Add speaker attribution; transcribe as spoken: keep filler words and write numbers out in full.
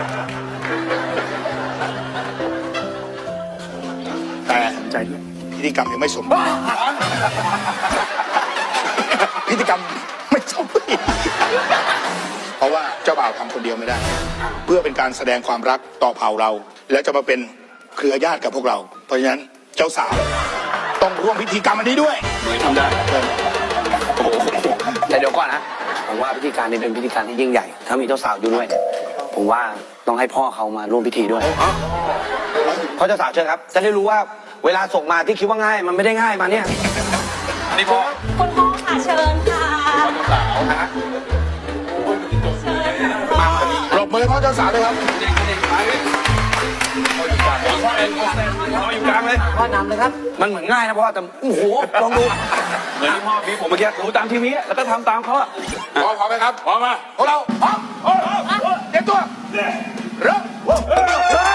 Speaker 1: แต่ใจด้วยพิธีกรรมยังไม่สมบูรณ์พิธีกรรมไม่สมบูรณ์เพราะว่าเจ้าบ่าวทำคนเดียวไม่ได้ เพื่อเป็นการแสดงความรักต่อเผ่าเรา แล้วจะมาเป็นเครือญาติกับพวกเรา เพราะฉะนั้นเจ้าสาวต้องร่วมพิธีกรรมอันนี้ด้วยหนูทำได้โอ้โห
Speaker 2: แต่เดี๋ยวก่อนนะผมว่าพิธีการนี้เป็นพิธีการที่ยิ่งใหญ่ ถ้ามีเจ้าสาวอยู่ด้วยผมว่าต้องให้พ่อเขามาร่วมพิธีด้วยพ่อเจ้าสาวเชิญครับจะได้รู้ว่าเวลาส่งมาที่คิดว่าง่ายมันไม่ได้ง่ายมาเนี่ยนี่พ่อ
Speaker 3: คุณพ่อค่ะเชิญค่ะ
Speaker 2: เจ้าสาวนะ
Speaker 3: เชิญค่ะ
Speaker 2: มามา
Speaker 1: ปรบมือให้พ่อเจ้าสาวเลยครับ
Speaker 2: พ่ออยู่กลางเลยพ่อนำเลยครับมันเหมือนง่ายนะพ่อแต่โอ้โหลองดูเหมือนที่พ่อพี่ผมเมื่อกี้ดูตามทีวีแล้วก็ทำตามเขาอะ
Speaker 1: พร้อมพร้อมไหมครับพร้อมมาพวกเราพร้อมเตรียมตัวเริ่ม